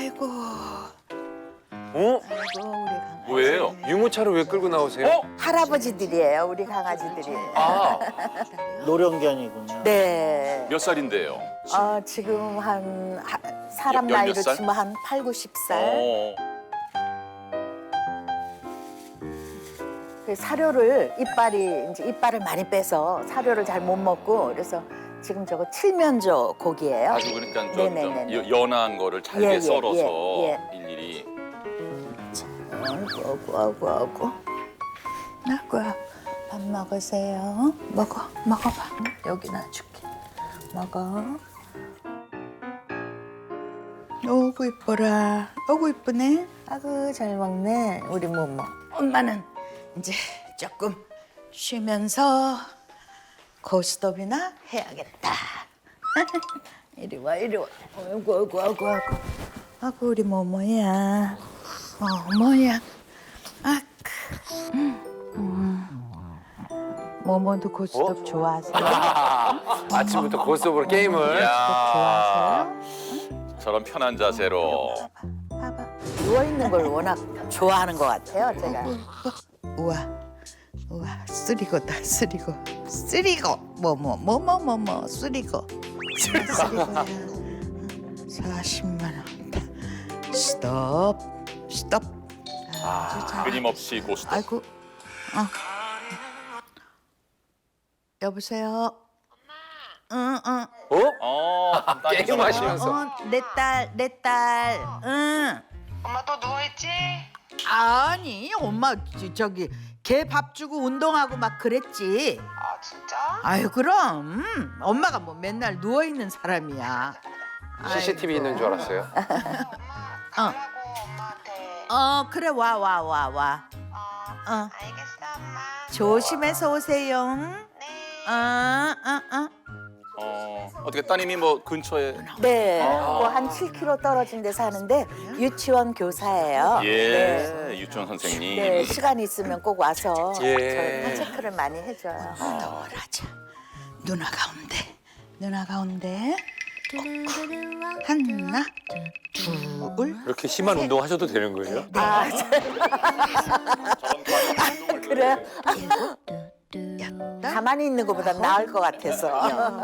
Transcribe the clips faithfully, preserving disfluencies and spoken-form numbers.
아이고. 어? 아이고 우리 강아지. 뭐예요? 유모차를 왜 끌고 나오세요? 어? 할아버지들이에요, 우리 강아지들이. 아, 노령견이군요. 네. 몇 살인데요? 어, 지금 한 하, 사람 열- 열몇 나이로 살? 치면 한 팔, 구십 살. 어. 그 사료를 이빨이 이제 이빨을 많이 빼서 사료를 잘 못 먹고 그래서 지금 저거 칠면조 고기예요. 아주 그러니까 좀, 좀 네네네네. 여- 연한 거를 잘게 예, 예, 썰어서 예, 예. 일일이. 아이고 아이고 아이고 아이고. 아이고 밥 먹으세요. 먹어 먹어봐. 여기 놔줄게. 먹어. 오구 이뻐라. 오구 이쁘네. 아구 잘 먹네. 우리 모모. 엄마는 이제 조금 쉬면서 고스톱이나 해야겠다. 이리 와 이리 와. 아이고 아이고 아이고 아이고. 아구 우리 모모야. 어 뭐야. 아. 모모도 고스톱 좋아하세요? 아침부터 고스톱으로 게임을. 이야, 좋아하세요? 저런 편한 자세로. 봐봐. 누워 있는 걸 워낙 좋아하는 것 같아요, 제가. 우와, 우와, 쓰리고다, 쓰리고, 쓰리고, 뭐뭐, 뭐뭐, 뭐뭐, 쓰리고, 쓰리고야. 사십만 원. 스톱, 스톱. 아주 잘. 끊임없이 고스톱. 아이고, 어. 여보세요. 엄마. 응, 응. 어? 어, 딸이 게임 하시면서. 어, 내 딸, 내 딸. 응. 엄마 또 누워있지? 아니, 엄마 저- 저기 개 밥 주고 운동하고 막 그랬지. 아 진짜? 아유, 그럼. 음, 엄마가 뭐 맨날 누워 있는 사람이야. 씨씨티비 있는 줄 알았어요. 엄마 가라고 엄마한테. 어, 그래 와 와 와 와. 어, 어. 알겠어 엄마. 조심해서 오세요. 네. 어, 어, 어. 어, 어떻게 따님이 뭐 근처에. 네, 뭐 한 칠 킬로미터 떨어진 데 사는데 유치원 교사예요. 예, 네. 유치원 선생님. 네, 시간 있으면 꼭 와서 예. 저희 체크를 많이 해줘요. 더라자. 누나 가운데, 누나 가운데. 하나, 둘. 이렇게 심한 운동 하셔도 되는 거예요? 아, 그래요? 가만히 있는 것보다 나을 것 같아서.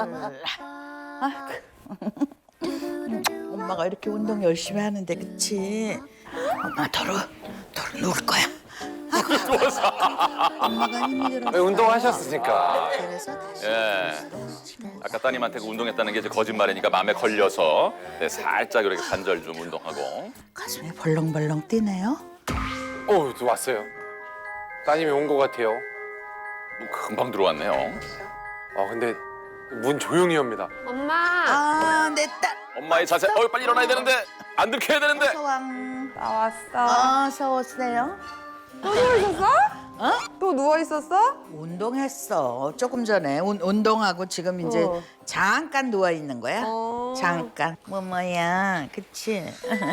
아이고. 엄마가 이렇게 운동 열심히 하는데 그치? 엄마 도로 도로 누울 거야. 누워서. 엄마가 힘들어. 네, 운동하셨으니까. 그래서 다시. 예. 아까 따님한테 그 운동했다는 게 이제 거짓말이니까 마음에 걸려서 네, 살짝 이렇게 관절 좀 운동하고. 가슴이 벌렁벌렁 뛰네요. 어, 또 왔어요. 따님이 온 것 같아요. 뭐 금방 들어왔네요. 아, 근데 문 조용히 합니다. 엄마. 아, 내 딸. 엄마의 자세. 어, 빨리 일어나야 되는데. 안 들켜야 되는데. 소왕. 나왔어. 어서 오세요. 또 누워 있었어? 어? 또 누워 있었어? 운동했어. 조금 전에 운, 운동하고 지금 이제 어. 잠깐 누워 있는 거야. 어. 잠깐. 뭐 뭐야, 그치?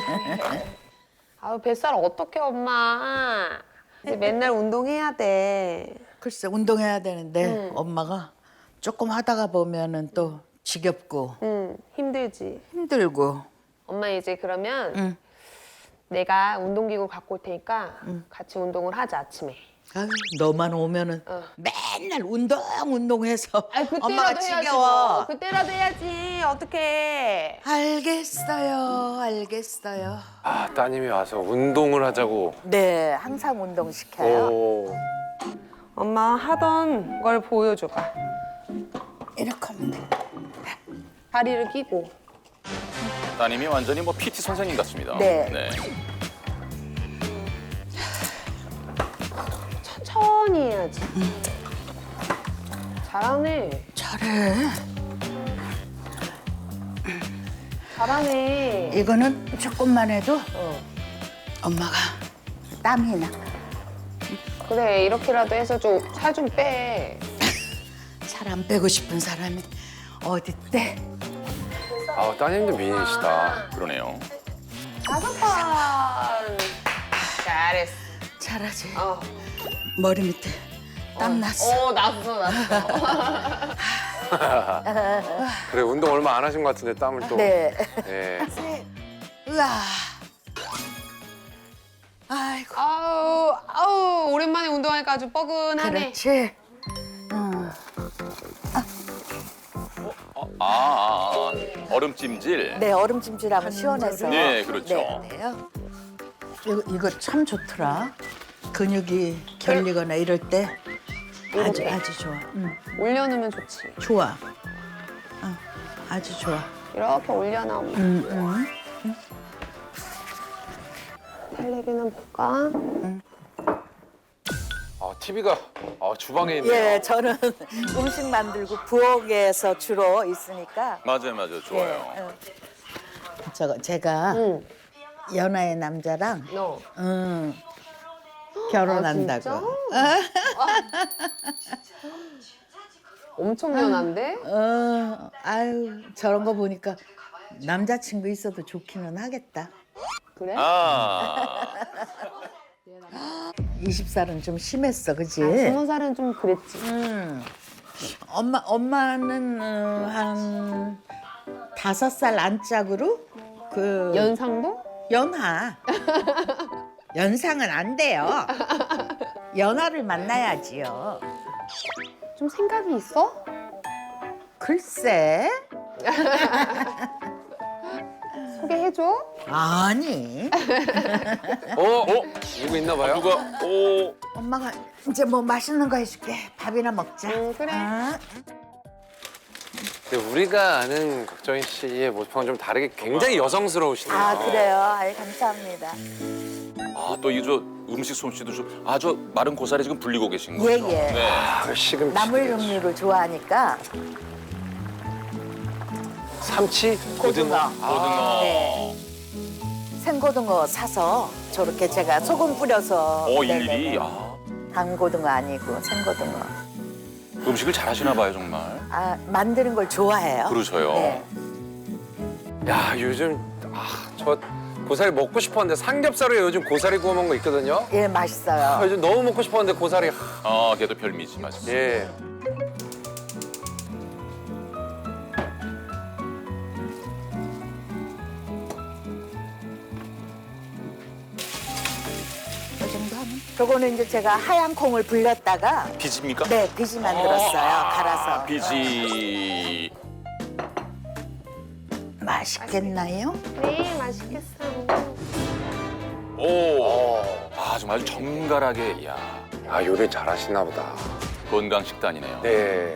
아유 뱃살 어떡해 엄마. 이제 맨날 운동해야 돼. 글쎄 운동해야 되는데 응. 엄마가 조금 하다가 보면은 또 지겹고 응 힘들지. 힘들고. 엄마 이제 그러면 응. 내가 운동기구 갖고 올 테니까 같이 운동을 하자 아침에. 아유, 너만 오면은 어. 맨날 운동 운동해서 아이 그때라도 엄마가 해야지. 지겨워. 뭐. 그때라도 해야지. 어떡해. 알겠어요, 알겠어요. 아, 따님이 와서 운동을 하자고. 네, 항상 운동 시켜요. 오. 엄마 하던 걸 보여줘봐. 이렇게 하면 돼. 다리를 끼고. 따님이 완전히 뭐 피티 선생님 같습니다. 네. 천천히 해야지. 잘하네. 잘해. 잘하네. 이거는 조금만 해도 어. 엄마가 땀이 나. 그래 이렇게라도 해서 좀 살 좀 빼. 살 안 빼고 싶은 사람이 어디 때? 아, 따님도 미인이시다. 그러네요. 다섯 번. 잘했어. 잘하지. 어. 머리 밑에 땀 났어. 어 났어 났어. 그래, 운동 얼마 안 하신 것 같은데 땀을 또. 네. 네. 으아. 아이고. 아우 아우 오랜만에 운동하니까 아주 뻐근하네. 그렇지. 응. 아, 아, 아, 얼음찜질. 네, 얼음찜질하면 시원해서. 네, 그렇죠. 네, 네요. 이거, 이거 참 좋더라. 근육이 결리거나 이럴 때 아주 아주 좋아. 응. 올려놓으면 좋지. 좋아. 어, 아주 좋아. 이렇게 올려놓으면. 응, 응. 달래기는 볼까? 아, 티비가 아, 주방에 있네요. 예, 저는 음식 만들고 부엌에서 주로 있으니까. 맞아요, 맞아요. 좋아요. 예, 어. 저거 제가 응. 연하의 남자랑 너. 응, 결혼한다고. 아, 엄청 연한데? 어, 아유, 저런 거 보니까 남자친구 있어도 좋기는 하겠다. 그래? 아, 스무 살은 좀 심했어, 그지? 아, 스무 살은 좀 그랬지. 음. 엄마, 엄마는 어, 한 다섯 살 안짝으로 그 연상도? 연하. 연상은 안 돼요. 연하를 만나야지요. 좀 생각이 있어? 글쎄. 소개해줘? 아니. 어? 어? 누구 있나 봐요? 누가 오 엄마가 이제 뭐 맛있는 거 해줄게. 밥이나 먹자. 응, 그래. 어? 근데 우리가 아는 박정희 씨의 모습과는 좀 다르게 굉장히 여성스러우시네요. 아, 그래요? 아이, 감사합니다. 아, 또 이 저 음식 솜씨도 좀 아, 저 마른 고사리 지금 불리고 계신 거죠? 예, 예. 네. 아, 시금 나물 종류를 좋아하니까 삼치, 고등어. 아, 고등어. 네. 생고등어 사서 저렇게 제가 소금 뿌려서. 어, 네네네. 일일이 아, 단고등어 아니고 생고등어. 음식을 잘하시나 봐요, 정말. 아, 만드는 걸 좋아해요. 그러셔요. 네. 야, 요즘 아, 저 고사리 먹고 싶었는데 삼겹살에 요즘 고사리 구워 먹는 거 있거든요. 예, 아, 맛있어요. 요즘 너무 먹고 싶었는데 고사리. 하, 아, 걔도 별미지, 맞습니다. 예. 이 정도 하면. 저거는 이제 제가 하얀 콩을 불렸다가 비지입니까? 네, 비지 만들었어요. 아, 갈아서. 비지. 맛있겠나요? 네, 맛있겠어. 오. 아, 정말 정갈하게, 야 아, 요리 잘하시나 보다. 건강 식단이네요. 네.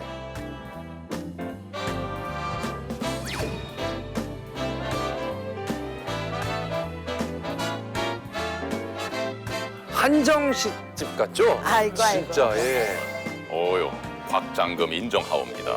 한정식 집 같죠? 아이고, 아이고. 진짜, 예. 오요, 곽장금 인정하옵니다.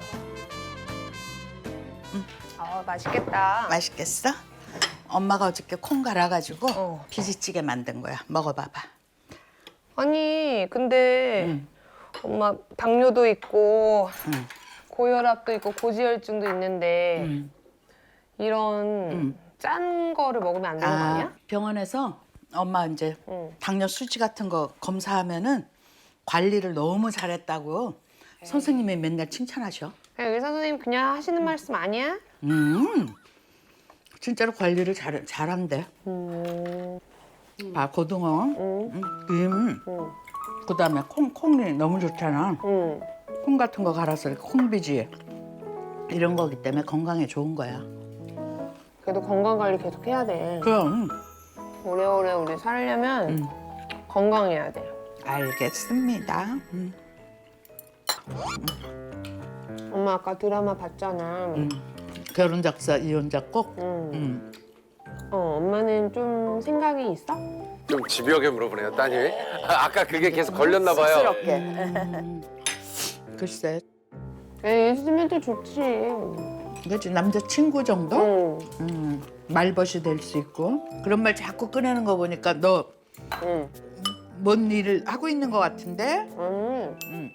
아, 맛있겠다. 맛있겠어? 엄마가 어저께 콩 갈아가지고 어. 비지찌개 만든 거야. 먹어봐봐. 아니, 근데 응. 엄마 당뇨도 있고 응. 고혈압도 있고 고지혈증도 있는데 응. 이런 응. 짠 거를 먹으면 안 되는 거 아, 아니야? 병원에서 엄마 이제 응. 당뇨 수치 같은 거 검사하면은 관리를 너무 잘했다고 선생님이 맨날 칭찬하셔. 그냥 의사 선생님 그냥 하시는 말씀 아니야? 음, 진짜로 관리를 잘 잘한대. 음. 아, 고등어, 응. 음, 김, 응. 그다음에 콩 콩이 너무 좋잖아. 응. 콩 같은 거 갈아서 이렇게 콩비지 이런 거기 때문에 건강에 좋은 거야. 그래도 건강 관리 계속 해야 돼. 그럼 오래오래 우리 살려면 음. 건강해야 돼. 알겠습니다. 음. 엄마 아까 드라마 봤잖아. 음. 결혼 작사 이혼 작곡. 응. 음. 어, 엄마는 좀 생각이 있어? 좀 집요하게 물어보네요, 따님이. 아, 아까 그게 계속 걸렸나 봐요. 쑥스럽게. 음. 글쎄, 에 있으면 또 좋지. 그지 남자 친구 정도? 응. 음, 말벗이 될 수 있고 그런 말 자꾸 꺼내는 거 보니까 너 뭔 응. 일을 하고 있는 것 같은데? 응. 음.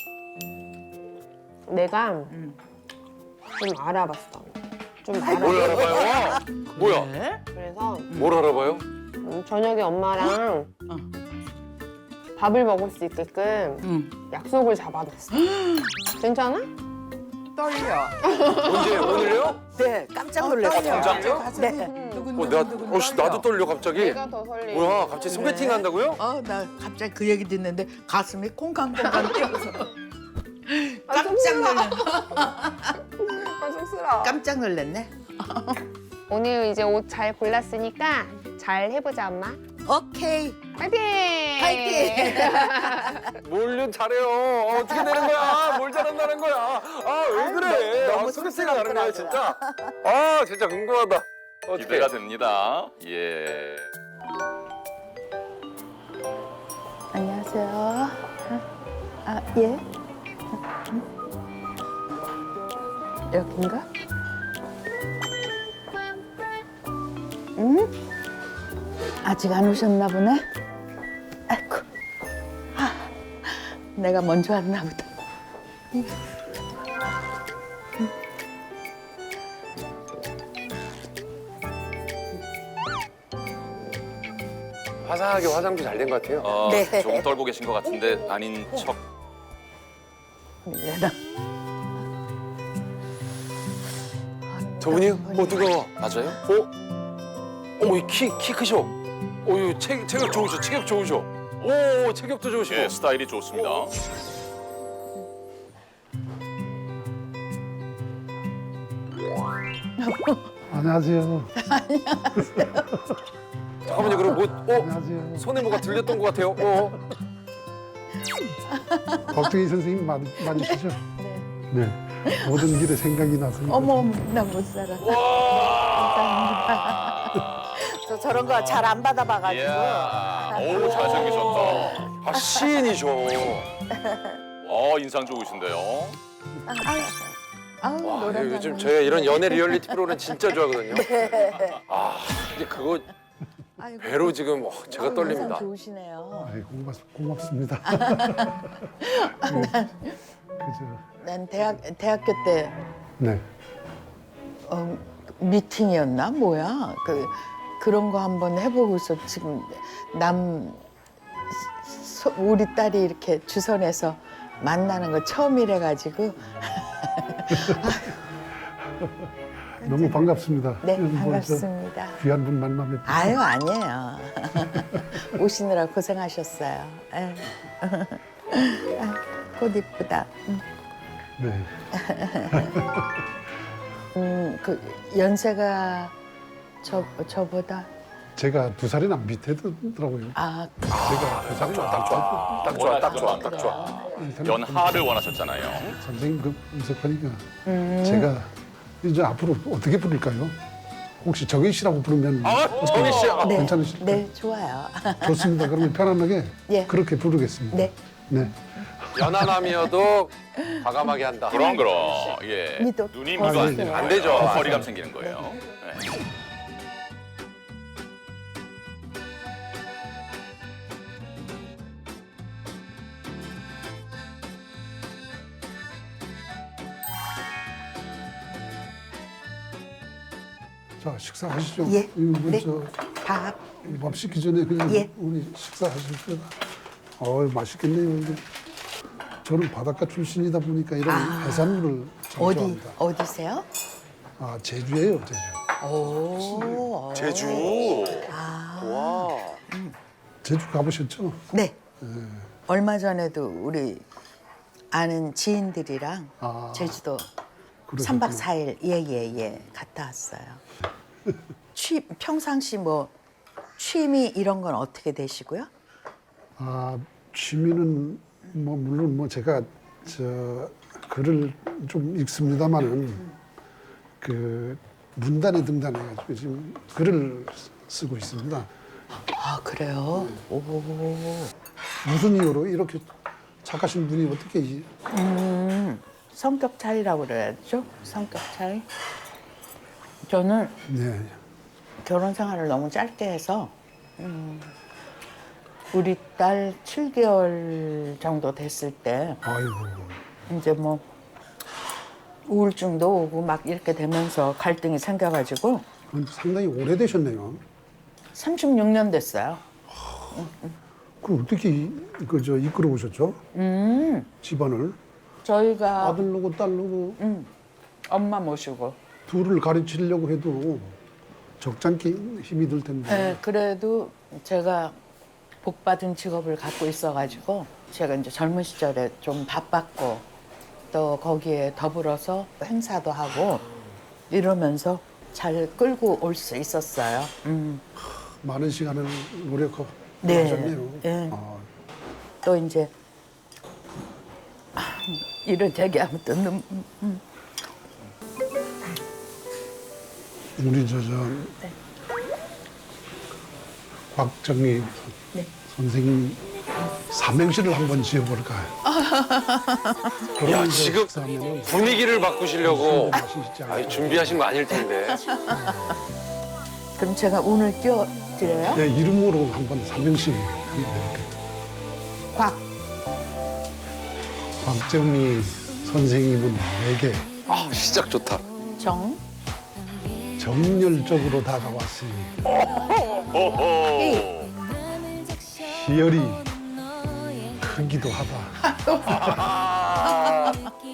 내가 음. 좀 알아봤어. 좀 뭘 알아봤어. 알아봐요? 뭐야? 네? 그래서 뭘 알아봐요? 음, 저녁에 엄마랑 어. 밥을 먹을 수 있게끔 음. 약속을 잡아놨어. 괜찮아? 떨려. 언제 오늘요? 네, 깜짝 놀랐어요. 당장? 네. 두근 어, 두근 나, 두근 어씨 나도 떨려 갑자기. 내가 더 설레. 뭐야 갑자기 소개팅 네. 한다고요? 어, 나 갑자기 그 얘기 듣는데 가슴이 콩강콩강 뛰어서 깜짝 놀랐네. 아, 쑥스러워. 깜짝 놀랐네. 오늘 이제 옷 잘 골랐으니까 잘 해보자, 엄마. 오케이. 파이팅! 파이팅! 뭘요 잘해요. 어, 어떻게 되는 거야? 뭘 잘한다는 거야? 아 왜 아유, 그래? 너무 아, 소개팅이 나는 거야 쑥스럽더라고요. 진짜. 아 진짜 궁금하다. 어떻게? 기대가 됩니다. 예. 안녕하세요. 아, 예. 여긴가? 응? 아직 안 오셨나 보네? 아이고. 아, 내가 먼저 왔나 보다. 화사하게 화장도 잘 된 것 같아요. 어, 네. 조금 떨고 계신 것 같은데 아닌 척. 밀레나. 저분이요? 어 뜨거워. 맞아요? 어? 어머 키, 키 크셔. 어유 체, 체격 좋으셔. 체격 좋으셔. 오 체격도 좋으시고. 예, 스타일이 좋습니다. 안녕하세요. 잠깐만요. 그럼 뭐 어? 안녕하세요. 손에 뭐가 들렸던 것 같아요. 어? 걱정이 선생님 많, 많으시죠? 네. 모든 길에 생각이 나서. 어머, 어머, 나 못 살아. 감사합니다. 저 저런 거 잘 안 받아봐가지고. 이야, 오 잘생기셨다. 아 시인이셔. 어 인상 좋으신데요. 아우, 와 노란 요즘 장면. 저희 이런 연애 리얼리티 프로그램 진짜 좋아하거든요. 아 이제 그거 아이고, 배로 지금 와, 제가 아유, 떨립니다. 인상 좋으시네요. 아이, 고맙, 고맙습니다. 그죠. 난 대학 대학교 때 네. 어, 미팅이었나 뭐야 그 그런 거 한번 해보고서 지금 남 소, 우리 딸이 이렇게 주선해서 만나는 거 처음이래 가지고 너무 반갑습니다. 네 뭐 저 반갑습니다. 귀한 분 만나 뵙고. 아유 아니에요. 오시느라 고생하셨어요. 아유. 아, 꽃 이쁘다. 네. 음, 그 연세가 저 저보다 제가 두 살이나 밑에 더라고요. 아 제가 두 살이나 딱 좋아. 딱 좋아. 딱 좋아. 딱 좋아. 연하를 원하셨잖아요. 선생님 그 음색하니까 제가 이제 앞으로 어떻게 부를까요? 혹시 정희 씨라고 부르면 아 정희 씨. 아, 네, 괜찮으실까요? 네 좋아요. 좋습니다. 그러면 편안하게 예. 그렇게 부르겠습니다. 네. 네. 연하남이어도 과감하게 한다. 그럼 그럼. 예. 미도 눈이 더 미도 안 생겨요. 되는 안 거예요. 되죠. 거리감 생기는 거예요. 네. 자 식사하시죠. 예. 이거 네. 저 밥. 밥 식기 전에 그냥 예. 우리 식사하실 거다. 어 맛있겠네요. 이게. 저는 바닷가 출신이다 보니까 이런 해산물을 참 어디 좋아합니다. 어디세요? 아 제주예요, 제주. 오. 제주. 아. 와. 제주 가보셨죠? 네. 얼마 전에도 우리 아는 지인들이랑 아, 제주도 그러셨구나. 삼 박 사 일 예예예 갔다 왔어요. 취 평상시 뭐 취미 이런 건 어떻게 되시고요? 아 취미는 뭐 물론 뭐 제가 저 글을 좀 읽습니다만은 그 문단에 등단해가지고 지금 글을 쓰고 있습니다. 아 그래요? 오. 무슨 이유로 이렇게 착하신 분이 어떻게 이- 음, 성격 차이라고 그래야죠? 성격 차이? 저는 네. 결혼 생활을 너무 짧게 해서 음, 우리 딸 칠 개월 정도 됐을 때 아이고 이제 뭐 우울증도 오고 막 이렇게 되면서 갈등이 생겨가지고 그건 상당히 오래되셨네요. 삼십육 년 됐어요. 그럼 어떻게 그저 이끌어 오셨죠? 음, 집안을 저희가 아들로고 딸로고 음, 엄마 모시고 둘을 가르치려고 해도 적잖게 힘이 들 텐데. 네, 그래도 제가 복 받은 직업을 갖고 있어가지고 제가 이제 젊은 시절에 좀 바빴고 또 거기에 더불어서 행사도 하고 이러면서 잘 끌고 올 수 있었어요. 음. 많은 시간을 노력하고 네. 하셨네요. 네. 아, 또 이제 이런 얘기하면 또 눈, 음. 우리 저저 곽정희 네. 선생님 삼행시를 한번 지어볼까요? 야, 그러면 지금 식사하면은 분위기를 바꾸시려고 맛있지 않을까? 아니, 준비하신 거 아닐 텐데. 그럼 제가 운을 띄워드려요? 네, 이름으로 한번 삼행시 한번 해볼게요. 곽, 곽정희 선생님은 내게 아, 시작 좋다. 정, 정열적으로 다가왔으니 오호. 희열이 크기도 하다.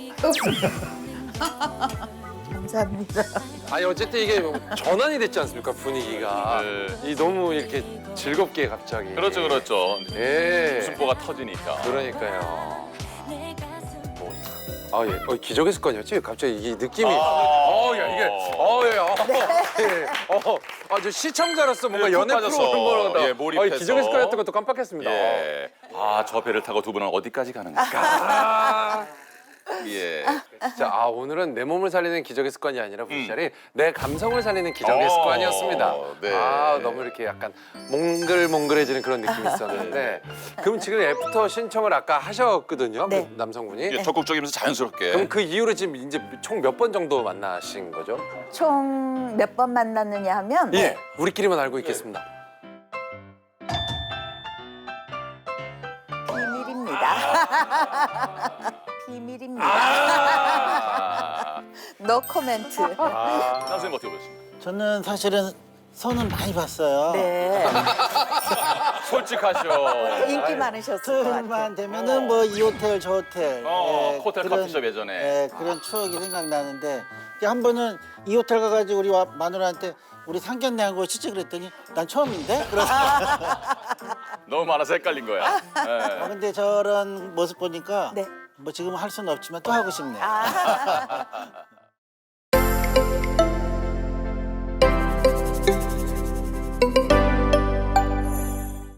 감사합니다. 아니 어쨌든 이게 전환이 됐지 않습니까 분위기가. 네. 이 너무 이렇게 즐겁게 갑자기. 그렇죠, 그렇죠. 예. 웃음보가 터지니까. 그러니까요. 뭐, 아 예, 어, 기적의 습관이었지? 갑자기 이 느낌이. 아. 어, 야 이게, 어, 예, 어, 예, 어, 아, 저 시청자로서 뭔가 네, 푹 연애 빠졌어. 프로그램 거다. 예, 몰입해서. 아, 기적의 습관이었던 것도 깜빡했습니다. 예. 아, 저 배를 타고 두 분은 어디까지 가는가? 아, 예. 진짜 아 오늘은 내 몸을 살리는 기적의 습관이 아니라 음. 부자리 내 감성을 살리는 기적의 어, 습관이었습니다. 네. 아 너무 이렇게 약간 몽글몽글해지는 그런 느낌이 있었는데 그럼 지금 애프터 신청을 아까 하셨거든요, 네. 그 남성분이. 예, 적극적이면서 자연스럽게. 그럼 그 이후로 지금 이제 총 몇 번 정도 만나신 거죠? 총 몇 번 만났느냐 하면 예, 우리끼리만 알고 있겠습니다. 비밀입니다. 비밀입니다. 아. 노 코멘트. 아. 선생님 어떻게 보셨습니까? 저는 사실은 선은 많이 봤어요. 네. 솔직하셔. 인기 많으셨을 것 같아요. 틈만 되면은 뭐 이 호텔 저 호텔. 어, 예, 호텔 그런- 커피숍 예전에. 예, 그런 추억이 생각나는데 이제 한 번은 이 호텔 가가지고 우리 와- 마누라한테 우리 상견례 한 거 시지 그랬더니 난 처음인데? 그래서 너무 많아서 헷갈린 거야. 예. 근데 저런 모습 보니까 네. 뭐 지금 할 수는 없지만 또 하고 싶네요. 아.